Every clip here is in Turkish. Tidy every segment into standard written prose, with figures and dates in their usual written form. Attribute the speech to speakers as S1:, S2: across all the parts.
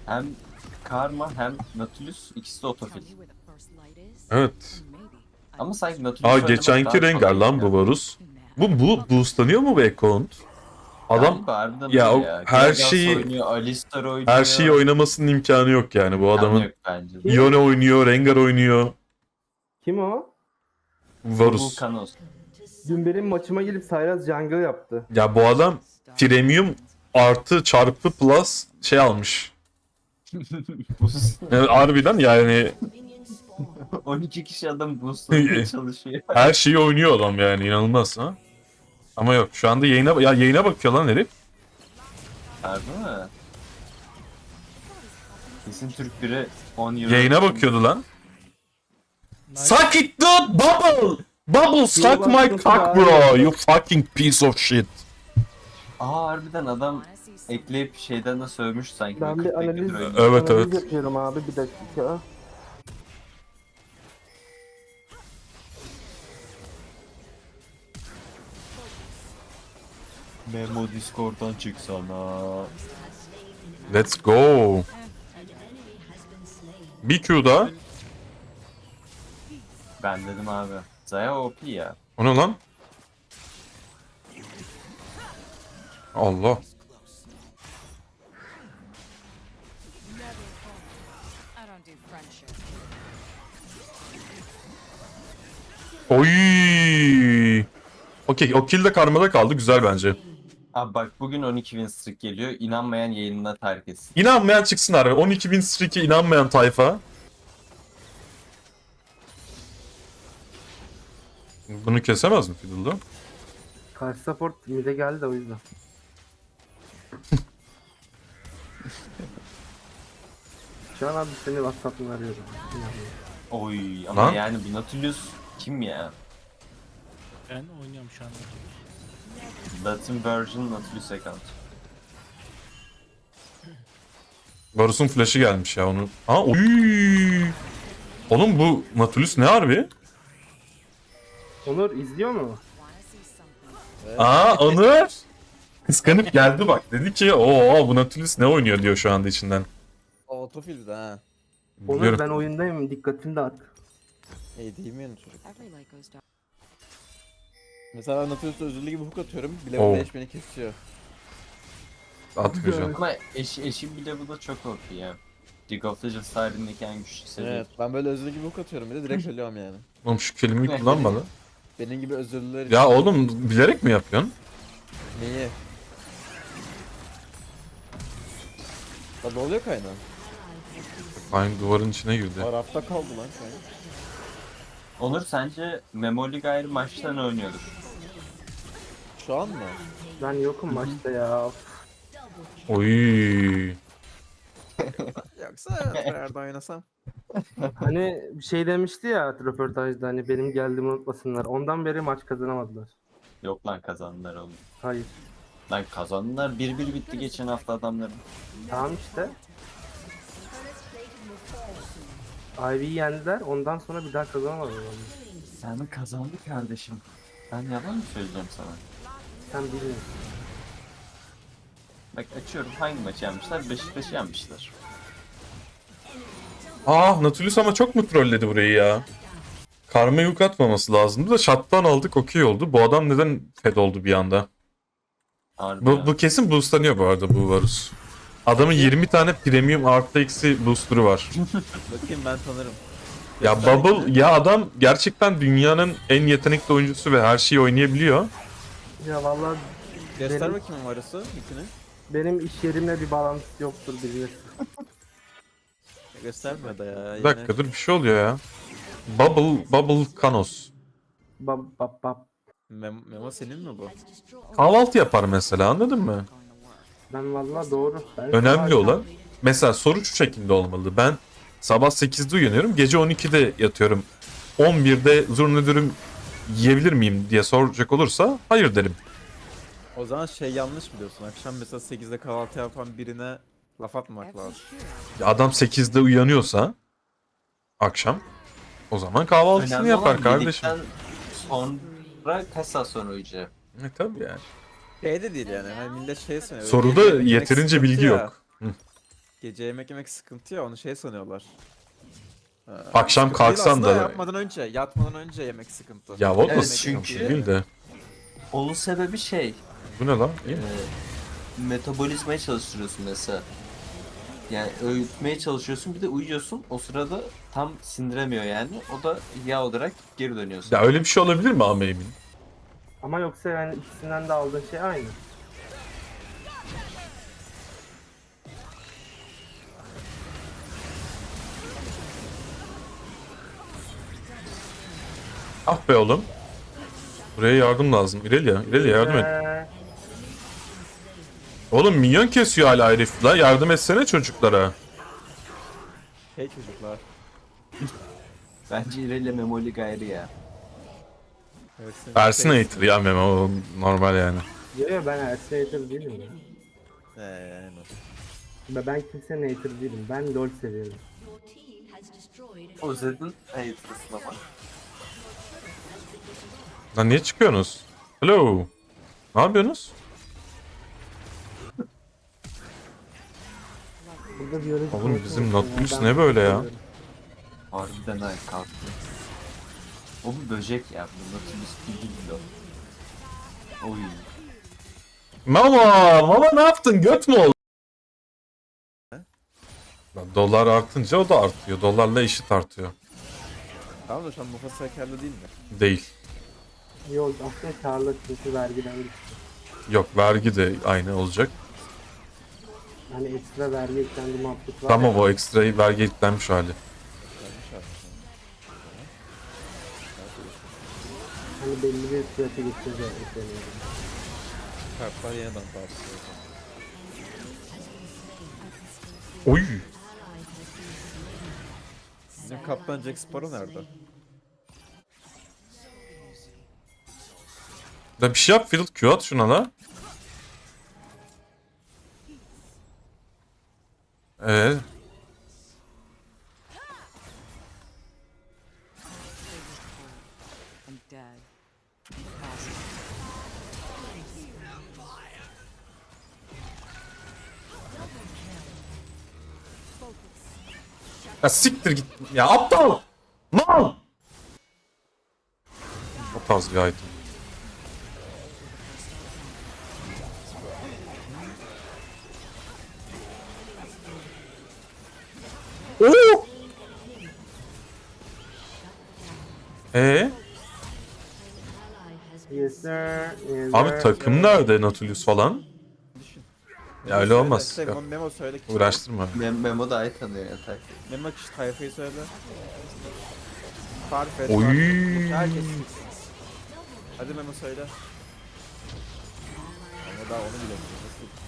S1: Hem Karma hem Nautilus ikisi de otofil.
S2: Evet.
S1: Ama sanki Nautilus
S2: Aa
S1: oynamak
S2: geçenki
S1: daha
S2: Rengar
S1: kolay
S2: lan
S1: ya.
S2: bu Varus. Bu boostlanıyor mu bu account? Adam
S1: Galiba harbiden
S2: ya
S1: öyle
S2: o
S1: ya.
S2: her
S1: Gragas
S2: şeyi
S1: oynuyor, Alistar
S2: her şeyi
S1: oynuyor.
S2: oynamasının imkanı yok yani bu
S1: İmkanı
S2: adamın.
S1: yok bence de.
S3: Kim?
S2: Yone oynuyor, Rengar oynuyor.
S3: Kim o?
S2: Varus.
S1: Vulcanos.
S3: Dün benim maçıma gelip Sylas jungle yaptı.
S2: Ya bu adam premium artı çarpı plus şey almış. Yani harbiden yani
S1: 12 kişi adam boostlamaya çalışıyor.
S2: her şeyi oynuyor adam yani inanılmaz ha. Ama yok şu anda yayına bakıyor lan herif.
S1: Harbi mi? Kesin Türk biri 10 euro.
S2: Yayına bakıyordu lan. Suck it dude bubble. Bubble suck my cock bro. You fucking piece of shit.
S1: Aa harbiden adam ekleyip şeyden de sövmüş sanki.
S3: Ben
S1: böyle
S3: bir
S1: 40
S3: analiz,
S1: dakikadır oynuyor.
S2: Evet,
S3: analiz
S2: evet.
S3: yapıyorum abi, bir dakika.
S1: Memo Discord'dan çıksana.
S2: Let's go. Bir Q daha.
S1: Ben dedim abi. Zaya OP ya.
S2: O ne lan? Allah. Oy. Okey, o kill de karmada kaldı. Güzel bence.
S1: Abi bak bugün 12 win streak geliyor. İnanmayan yayınına terk etsin.
S2: İnanmayan çıksın abi. 12.000 streak'e inanmayan tayfa. Bunu kesemez mi Fiddle'da?
S3: Karşı support mid'e geldi de o yüzden. Şu an abi seni WhatsApp'tan arıyorum.
S1: Oy ama
S2: Lan.
S1: yani bu Nautilus kim ya?
S4: Ben oynuyorum şu anda.
S1: Latin version Nautilus account.
S2: Varus'un flash'ı gelmiş ya onu. Ha oy. Oğlum bu Nautilus ne harbi?
S3: Onur izliyor mu?
S2: Aa Onur. Kıskanıp geldi bak. Dedi ki o bu Nautilus ne oynuyor diyor şu anda içinden.
S5: Autofil'de ha.
S3: Onur
S2: Biliyorum.
S3: ben oyundayım, dikkatini dağıt.
S5: Değil mi yani çocuk? Mesela ben Nautilus'ta özürlü gibi hook atıyorum. Bile
S2: Oo.
S5: bile eş beni kesiyor.
S2: Atmayacağım.
S1: Ama eşim bile bu da çok OP ya. League of Legends tarihindeki en güçlü seviye.
S5: Evet. Ben böyle özürlü gibi hook atıyorum bir de direkt ölüyorum yani.
S2: Oğlum şu kelimeyi kullanma lan.
S5: Benim gibi özürlüler
S2: Ya oğlum bilerek mi yapıyorsun?
S5: Neyi? Lan oluyor kaynağı.
S2: Aynı duvarın içine girdi.
S5: Arafta kaldı lan kaynağı.
S1: Onur sence Memoli gayrı maçta ne oynuyordur?
S5: Şu an mı?
S3: Ben yokum maçta ya.
S2: Oy.
S5: Yoksa nerede oynasam?
S3: Hani bir şey demişti ya röportajda, hani benim geldiğimi unutmasınlar. Ondan beri maç kazanamadılar.
S1: Yok lan kazandılar oğlum.
S3: Hayır.
S1: Lan kazandılar 1-1 bitti geçen hafta adamların.
S3: Tamam işte. Ivy'yi yendiler, ondan sonra bir daha kazanamadılar.
S1: Yani kazandı kardeşim. Ben yalan mı söyleyeceğim sana?
S3: Sen bilmiyorsun.
S1: Bak açıyorum hangi maçı yenmişler? Beşiktaş'ı yenmişler.
S2: Ah Nautilus ama çok mu trolledi burayı ya? Karma yük atmaması lazımdı da shot'tan aldık okey oldu. Bu adam neden fed oldu bir anda?
S1: Harbi
S2: Bu,
S1: ya.
S2: bu kesin boostlanıyor bu arada bu Varus. Adamın 20 tane premium artı eksi booster'ı var.
S5: Bakayım ben tanırım.
S2: Ya
S5: Göster
S2: Bubble
S5: ikini.
S2: ya adam gerçekten dünyanın en yetenekli oyuncusu ve her şeyi oynayabiliyor.
S3: Ya vallahi
S5: Göster
S3: benim-
S5: bakayım numarası ikini.
S3: benim iş yerimle bir bağlantısı yoktur bilirsin.
S5: Göstermiyor da ya.
S2: Bir dakika dur bir şey oluyor ya. Bubble Kanos.
S3: Bab bab bab.
S5: Memo senin mi bu?
S2: Kahvaltı yapar mesela anladın mı?
S3: Ben vallahi doğru. Ben
S2: Önemli
S3: sabah
S2: olan mesela soru şu şekilde olmalı. Ben sabah 8'de uyanıyorum, gece 12'de yatıyorum. 11'de zurna dürüm yiyebilir miyim diye soracak olursa hayır derim.
S5: O zaman şey yanlış biliyorsun. Akşam mesela 8'de kahvaltı yapan birine laf atmamak lazım.
S2: Ya adam 8'de uyanıyorsa akşam o zaman kahvaltısını
S1: Önemli
S2: yapar
S1: olan
S2: kardeşim.
S1: yedikten sonra kaç saat sonra uyuyacak?
S2: Tabii yani.
S5: Şey de değil yani. Hani millet şey sanıyor.
S2: Soruda
S5: yemek
S2: yeterince
S5: sıkıntı
S2: bilgi
S5: ya.
S2: yok. Hı.
S5: Gece yemek yemek sıkıntı ya, onu şey sanıyorlar.
S2: Akşam
S5: Sıkıntı değil
S2: kalksan
S5: aslında,
S2: da-
S5: yatmadan önce yemek sıkıntı.
S2: Ya o da
S1: Evet,
S2: sıkıntı
S1: çünkü-
S2: değil de.
S1: Onun sebebi şey,
S2: Bu ne lan? İyi mi?
S1: metabolizmayı çalıştırıyorsun mesela. Yani öğütmeye çalışıyorsun, bir de uyuyorsun. O sırada tam sindiremiyor yani. O da yağ olarak geri dönüyorsun.
S2: Ya öyle bir şey olabilir mi ama emin?
S3: Ama yoksa yani ikisinden de aldığın şey aynı.
S2: Ah be oğlum. Buraya yardım lazım. İrelia, İrelia yardım et. Oğlum minyon kesiyor hala herif la. Yardım etsene çocuklara.
S5: Hey çocuklar.
S1: Bence İrelia Memoli gayrı ya.
S5: Evet, senin
S2: Persinator ya Memo. O normal yani.
S3: Yok yok, ben Ersator değilim ya.
S5: Aynen.
S3: Ben kimsenin hater değilim. Ben LoL seviyorum.
S1: O Zed'in hater'ısın ama.
S2: Lan niye çıkıyorsunuz? Hello. Ne yapıyorsunuz?
S3: Burada biyolojik
S2: Oğlum
S3: konuşma
S2: bizim
S3: yapıyorum.
S2: Nautilus
S3: Ben
S2: ne böyle ya?
S3: seviyorum.
S1: Harbiden ay kalktı. O bir böcek ya. Bu Nautilus değil o. Oy.
S2: Mama ne yaptın? Göt mü oldu? Lan dolar artınca o da artıyor. Dolarla eşit artıyor.
S5: Tamam da şu an Mufasa karlı değil mi?
S2: Değil.
S3: Yok aslında karlı çünkü vergiden düştü.
S2: Yok vergi de aynı olacak.
S3: Hani ekstra vergi eklendi muhabbet var
S2: Tamam
S3: ya.
S2: o ekstrayı vergi eklenmiş hali.
S5: Yanlış yapmışım.
S3: Hani belli bir fiyata geçince ekleniyor.
S5: Kartlar yeniden dağıtılıyor.
S2: Oy.
S5: Bizim kaptan Jack Sparrow nerede?
S2: Da bir şey yap Fiddle Q at şuna la. Ee,
S6: I'm dead.
S2: ya siktir git. Ya aptal. Mal. O tarz bir item. Oo.
S3: Yes sir. Yes,
S2: Abi
S3: sir.
S2: takım nerede Nautilus falan? Ya öyle olmaz.
S5: Söyle,
S2: Yok,
S5: Memo söyle. kişi.
S2: uğraştırma.
S1: Memo da ay tanıyor ya tak.
S5: Memo kişi tayfayı söyle. Tarif et.
S2: Oy.
S5: tarif et. Herkes bilsin. Hadi Memo söyle. Ama daha onu bilemiyorum.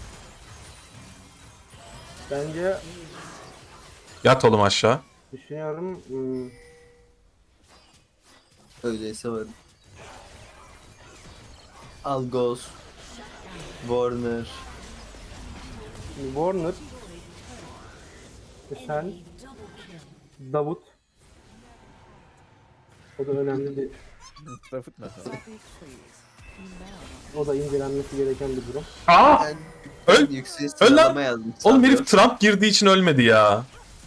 S5: Nasıl?
S3: Bence
S2: Yat oğlum aşağı.
S3: düşünüyorum.
S1: Öyleyse varım. Algos. Warner.
S3: Warner. Sen. Davut. O da önemli bir.
S5: Rafıt ne?
S3: O da incelenmesi gereken bir durum.
S2: Aa!
S1: Ben
S2: Öl-
S1: yüksek
S2: öl lan!
S1: sıralama yazdım.
S2: Oğlum
S1: sanıyor.
S2: herif Trump girdiği için ölmedi ya.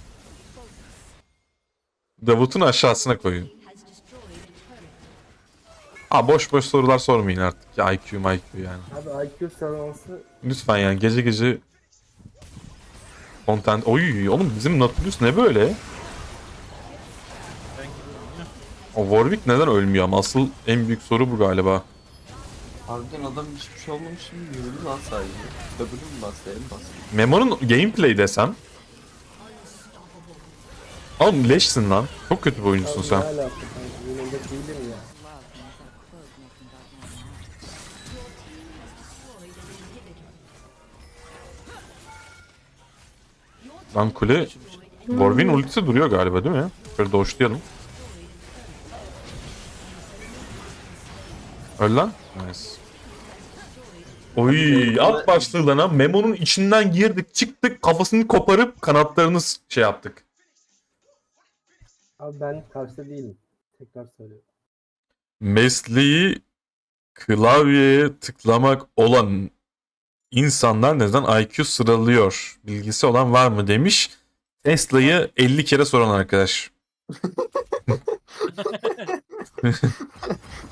S2: Davut'un aşağısına koyun. Ha boş boş sorular sormayın artık. Ya IQ yani.
S3: Abi IQ sıralaması
S2: Lütfen yani gece gece content. Oy oğlum bizim Nautilus ne böyle? O Warwick neden ölmüyor ama asıl en büyük soru bu galiba.
S1: Harbiden adam hiçbir şey olmamış gibi yürüdü lan sadece. W mu bastı, bastı.
S2: Memo'nun gameplay desem. Oğlum leşsin lan. Çok kötü bir oyuncusun sen.
S3: ne alaka kanka? Yine de değilim ya.
S2: Lan kule Warwick'in ultisi duruyor galiba değil mi? Şöyle doşlayalım. Öl lan. Nice. Oy at başlığı lan ha. Memo'nun içinden girdik çıktık kafasını koparıp kanatlarını şey yaptık.
S3: Abi ben karşıda değilim. Tekrar söylüyorum.
S2: Mesleği klavyeye tıklamak olan İnsanlar neden IQ sıralıyor? Bilgisi olan var mı demiş. Tesla'yı 50 kere soran arkadaş.